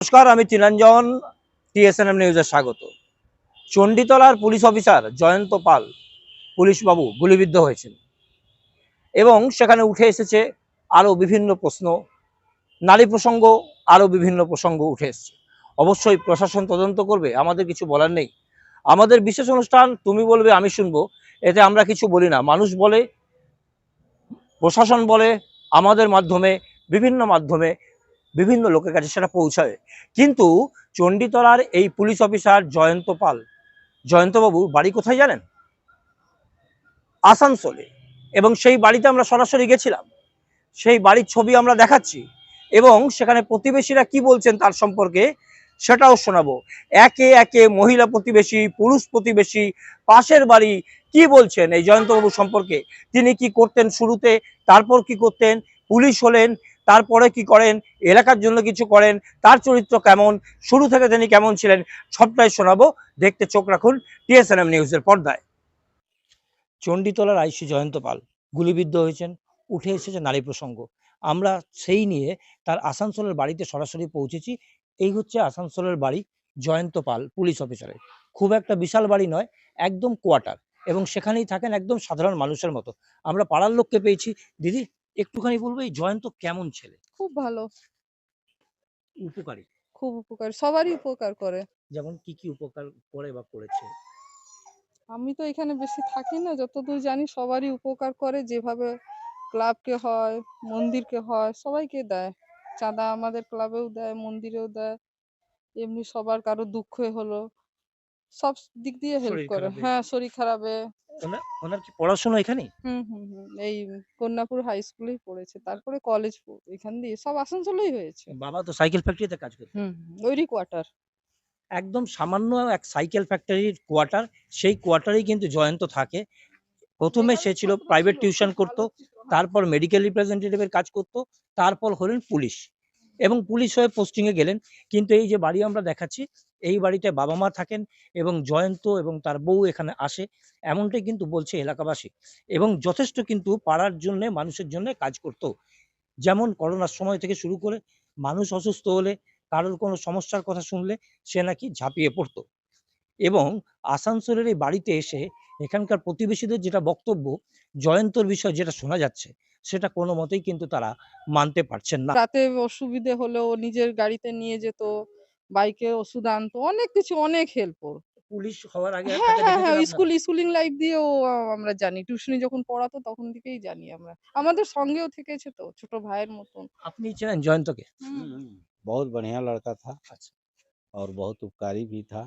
নমস্কার, আমি তিলাঞ্জন, টিএসএনএম নিউজে স্বাগত। চণ্ডীতলার পুলিশ অফিসার জয়ন্ত পাল পুলিশবাবু গুলিবিদ্ধ হয়েছেন এবং সেখানে উঠে এসেছে আরও বিভিন্ন প্রশ্ন, নারী প্রসঙ্গ, আরও বিভিন্ন প্রসঙ্গ উঠে এসছে। অবশ্যই প্রশাসন তদন্ত করবে, আমাদের কিছু বলার নেই। আমাদের বিশেষ অনুষ্ঠান তুমি বলবে আমি শুনবো, এতে আমরা কিছু বলি না। মানুষ বলে, প্রশাসন বলে, আমাদের মাধ্যমে, বিভিন্ন লোকের কাছে সেটা পৌঁছায়। কিন্তু চণ্ডীতলার এই পুলিশ অফিসার জয়ন্ত পাল, জয়ন্তবাবুর বাড়ি কোথায় জানেন? আসানসোলে। এবং সেই বাড়িতে আমরা সরাসরি গেছিলাম, সেই বাড়ির ছবি আমরা দেখাচ্ছি এবং সেখানে প্রতিবেশীরা কি বলছেন তার সম্পর্কে সেটাও শোনাবো। একে একে মহিলা প্রতিবেশী, পুরুষ প্রতিবেশী, পাশের বাড়ি কি বলছেন এই জয়ন্তবাবু সম্পর্কে। তিনি কি করতেন শুরুতে, তারপর কি করতেন, পুলিশ হলেন, তারপরে কি করেন, এলাকার জন্য কিছু করেন, তার চরিত্র কেমন, শুরু থেকে তিনি কেমন ছিলেন, সবটাই শোনাবো। দেখতে চোখ রাখুন টিএসএনএম নিউজের পর্দায়। চণ্ডীতলার আইসি জয়ন্ত পাল গুলিবিদ্ধ হয়েছেন, উঠে এসেছে নারী প্রসঙ্গ। আমরা সেই নিয়ে তার আসানসোলের বাড়িতে সরাসরি পৌঁছেছি। এই হচ্ছে আসানসোলের বাড়ি জয়ন্ত পাল পুলিশ অফিসারের। খুব একটা বিশাল বাড়ি নয়, একদম কোয়ার্টার, এবং সেখানেই থাকেন একদম সাধারণ মানুষের মতো। আমরা পাড়ার লোককে পেয়েছি। দিদি, একটুখানি বলবো এই জয়ন্ত কেমন ছেলে? খুব ভালো, উপকারী? খুব উপকার, সবারই উপকার করে। যেমন কি কি উপকার করে বা করেছে? আমি তো এখানে বেশি থাকি না, যতদূর জানি সবারই উপকার করে। যেভাবে ক্লাবকে হয়, মন্দিরকে হয়, সবাইকে দেয়। চাঁদা আমাদের ক্লাবেও দেয়, মন্দিরেও দেয়। এমনি সবার কারো দুঃখ হলো সব দিক দিয়ে হেল্প শরীর করে। খারাপে? হ্যাঁ, শরীর খারাপে। ওনার কি পড়াশোনা এখানেই? এই কন্যাপুর হাই স্কুলেই পড়েছে, তারপরে কলেজ এখান দিয়ে সব আসানসোলেই হয়েছে। বাবা তো সাইকেল ফ্যাক্টরিতে কাজ করতেন। ওইরই কোয়ার্টার। একদম সামান্য এক সাইকেল ফ্যাক্টরির কোয়ার্টার, সেই কোয়ার্টারেই কিন্তু জয়ন্ত থাকে। প্রথমে সে ছিল প্রাইভেট টিউশন করত, তারপর মেডিকেল রিপ্রেজেন্টেটিভের কাজ করত, তারপর হলেন পুলিশ এবং পুলিশ হয়ে পোস্টিংয়ে গেলেন। কিন্তু এই যে বাড়ি আমরা দেখাচ্ছি, এই বাড়িতে বাবা মা থাকেন এবং জয়ন্ত এবং তার বউ এখানে আসে, এমনটাই কিন্তু বলছে এলাকাবাসী। এবং যথেষ্ট কিন্তু পাড়ার জন্য, মানুষের জন্য কাজ করত। যেমন করোনার সময় থেকে শুরু করে মানুষ অসুস্থ হলে, কারোর কোনো সমস্যার কথা শুনলে সে নাকি ঝাঁপিয়ে পড়তো। এবং আসানসোলের এই বাড়িতে এসে এখানকার প্রতিবেশীদের যেটা বক্তব্য, জয়ন্তর বিষয় যেটা শোনা যাচ্ছে, সেটা কোনো মতেই কিন্তু তারা মানতে পারছেন না। রাতে অসুবিধে হলেও নিজের গাড়িতে নিয়ে যেত, বাইকে ওষুধ আনতো, অনেক কিছু, অনেক হেল্প। পুলিশ হওয়ার আগে হ্যাঁ, তাকে হ্যাঁ, দেখেছেন হ্যাঁ, আপনারা? স্কুলিং লাইফ দিয়েও আমরা জানি। টিউশনি যখন পড়াতো তখন থেকেই জানি আমরা। আমাদের সঙ্গেও থেকেছে তো, ছোট ভাইয়ের মতন। আপনি চেনেন জয়ন্তকে? बहुत बढ़िया लड़का था আচ্ছা। और बहुत उपकारी भी था।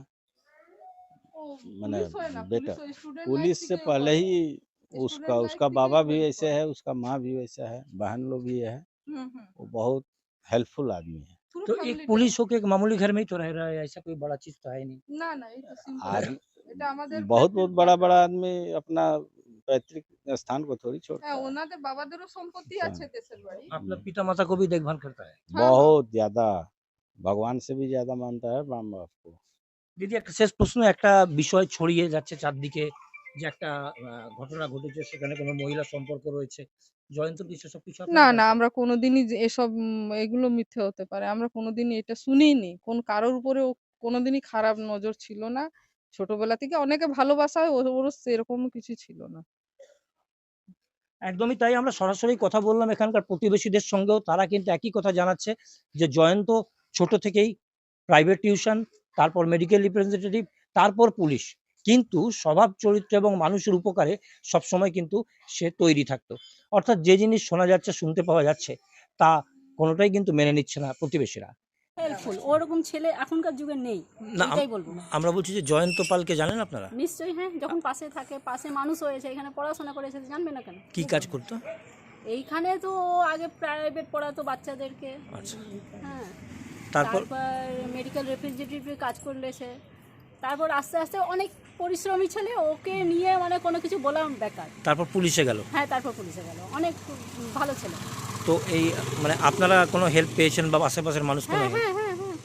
ও मैंने পুলিশ হয় না, बेटा স্টুডেন্ট লাইফ पुलिस से থেকে पहले ही स्टूडेंट लाइफ उसका থেকেই बाबा भी হেল্প ऐसे করে। है, उसका माँ भी वैसा है, बहन लोग भी है। হুম, হুম। वो बहुत हेल्पफुल आदमी है। পুরো तो एक ফ্যামিলিটা। पुलिस होके एक मामूली घर में ही तो रह रहा है, ऐसा कोई बड़ा चीज तो है नहीं। না, না, এই তো সিম্পল। आज এটা আমাদের बहुत ফ্যাক্টরি बड़ा কোয়ার্টার। बड़ा आदमी अपना पैतृक स्थान को थोड़ी छोड़ता হ্যাঁ, है। ওনাদের বাবাদেরও সম্পত্তি हाँ, আছে দেশের বাড়ি। अपना पिता माता को भी देखभाल करता है। হ্যাঁ, হ্যাঁ। बहुत ज्यादा भगवान से भी ज्यादा मानता है राम बाप को। দিদি, একটা শেষ প্রশ্ন। একটা বিষয় ছড়িয়ে যাচ্ছে চারদিকে যে একটা ঘটনা ঘটেছে, সেখানে কোনো মহিলা সম্পর্ক রয়েছে। জয়ন্তর কি সেসব কিছু না, আপনারা না, জানতেন? আমরা কোনোদিনই এসব এগুলো মিথ্যে হতে পারে। আমরা কোনোদিনই এটা শুনিনি। কারোর উপরেও কোনোদিনই খারাপ নজর ছিল না। ছোটবেলা থেকে অনেকে ভালোবাসা হয়, ওরও সেরকম কিছু ছিল না। একদমই তাই। আমরা সরাসরি কথা বললাম এখানকার প্রতিবেশীদের সঙ্গেও, তারা কিন্তু একই কথা জানাচ্ছে যে জয়ন্ত ছোট থেকেই প্রাইভেট টিউশন, তারপর মেডিকেল রিপ্রেজেন্টেটিভ, তারপর পুলিশ। কিন্তু স্বভাব চরিত্র এবং মানুষের উপকারে সবসময় কিন্তু সে তৈরি থাকতো। অর্থাৎ যে জিনিস শোনা যাচ্ছে, শুনতে পাওয়া যাচ্ছে, তা কোনোটাই কিন্তু মেনে নিচ্ছে না প্রতিবেশীরা। হেল্পফুল ওরকম ছেলে এখনকার যুগে নেই, না, এইটাই বলবো। আমরা বলছি যে জয়ন্ত পালকে জানেন আপনারা? নিশ্চয়ই, হ্যাঁ, যখন পাশে থাকে, পাশে মানুষ হয়েছে, এখানে পড়াশোনা করেছে, জানবে না কেন? কি কাজ করতো? এইখানে তো আগে প্রাইভেট পড়াতো বাচ্চাদেরকে। আচ্ছা। হ্যাঁ, তারপর? তারপর মেডিকেল রিপ্রেজেন্টেটিভ কাজ করলেছে। তারপর আস্তে আস্তে অনেক পরিশ্রমী ছেলে, ওকে নিয়ে মানে কোনো কিছু বলা বেকার। তারপর পুলিশে গেল। হ্যাঁ, তারপর পুলিশে গেল, অনেক ভালো ছেলে। তো এই মানে আপনারা কোনো হেল্প পেয়েছেন বা আশেপাশের মানুষ কোনো হ্যাঁ, help? হ্যাঁ, হ্যাঁ, হ্যাঁ, খুব হেল্পফুল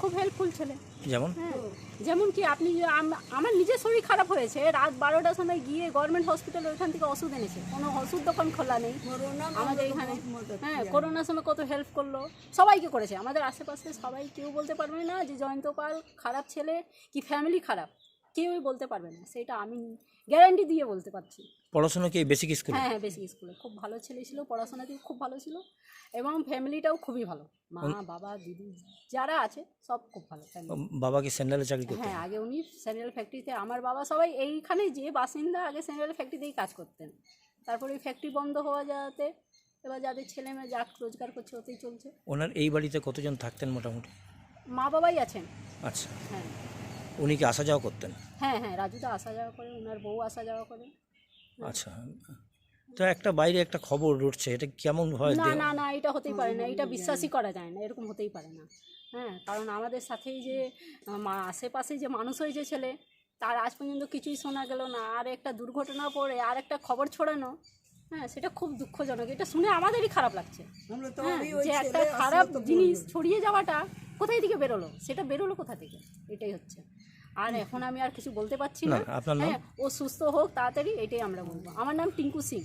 কেয়ারফুল ছেলে। যেমন হ্যাঁ, যেমন কি আপনি আমার নিজের শরীর খারাপ হয়েছে, রাত 12টার সময় গিয়ে গভর্নমেন্ট হসপিটাল ওইখান থেকে ওষুধ এনেছে, কোনো ওষুধ দোকান খোলা নেই আমাদের এখানে। হ্যাঁ, করোনার সময় কত হেল্প করলো, সবাইকে করেছে আমাদের আশেপাশে সবাই। কেউ বলতে পারবে না যে জয়ন্ত পাল খারাপ ছেলে কি ফ্যামিলি খারাপ, কেউই বলতে পারবে না, সেটা আমি গ্যারান্টি দিয়ে বলতে পারছি। পড়াশোনা কি বেসিক স্কুল? হ্যাঁ হ্যাঁ, বেসিক স্কুলে খুব ভালো ছেলে ছিল, পড়াশোনাতেও খুব ভালো ছিল এবং ফ্যামিলিটাও খুবই ভালো, মা বাবা দিদি যারা আছে সব খুব ভালো ফ্যামিলি। বাবা কি স্যান্ডেলে চাকরি করতেন? হ্যাঁ, আগে উনি স্যানিটারি ফ্যাক্টরিতে, আমার বাবা সবাই এইখানে যে বাসিন্দা আগে স্যানিটারি ফ্যাক্টরিতেই কাজ করতেন। তারপরে ওই ফ্যাক্টরি বন্ধ হওয়া যাতে এবার যাদের ছেলে মেয়ে যা রোজগার করছে ওতেই চলছে। ওনার এই বাড়িতে কতজন থাকতেন মোটামুটি? মা বাবাই আছেন। আচ্ছা, হ্যাঁ উনি কি আসা যাওয়া করতেন? হ্যাঁ হ্যাঁ, রাজুদা আসা যাওয়া করে, ওনার বউ আসা যাওয়া করে। আচ্ছা, তো একটা বাইরে একটা খবর উঠছে, এটা কেমন হয়? না না না, এটা হতেই পারে না, এটা বিশ্বাসই করা যায় না, এরকম হতেই পারে না। হ্যাঁ, কারণ আমাদের সাথেই যে আশেপাশে যে মানুষ হয়েছে ছেলে, তার আজ পর্যন্ত কিছুই শোনা গেল না, আর একটা দুর্ঘটনা পড়ে আর একটা খবর ছড়ানো, হ্যাঁ সেটা খুব দুঃখজনক। এটা শুনে আমাদেরই খারাপ লাগছে। হ্যাঁ, যে একটা খারাপ জিনিস ছড়িয়ে যাওয়াটা কোথায় থেকে বেরোলো, সেটা বেরোলো কোথা থেকে, এটাই হচ্ছে। আর এখন আমি আর কিছু বলতে পারছি না। আপনার নাম? হ্যাঁ, ও সুস্থ হোক তাড়াতাড়ি, এটাই আমরা বলবো। আমার নাম টিঙ্কু সিং।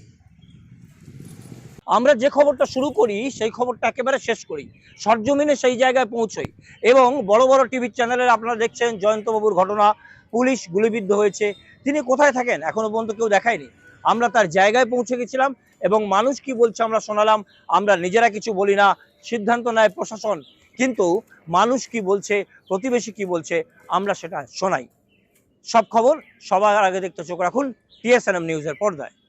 আমরা যে খবরটা শুরু করি সেই খবরটা একেবারে শেষ করি, সরজমিনে সেই জায়গায় পৌঁছই এবং বড় বড় টিভি চ্যানেলের আপনারা দেখছেন জয়ন্তবাবুর ঘটনা, পুলিশ গুলিবিদ্ধ হয়েছে, তিনি কোথায় থাকেন এখনো পর্যন্ত কেউ দেখায়নি। আমরা তার জায়গায় পৌঁছে গেছিলাম এবং মানুষ কি বলছে আমরা শোনালাম। আমরা নিজেরা কিছু বলি না, সিদ্ধান্ত নেয় প্রশাসন, কিন্তু মানুষ কি বলছে, প্রতিবেশী কি বলছে, আমরা সেটা শোনাই। সব খবর সবার আগে দেখতে চোখ রাখুন TSNM নিউজের পর্দায়।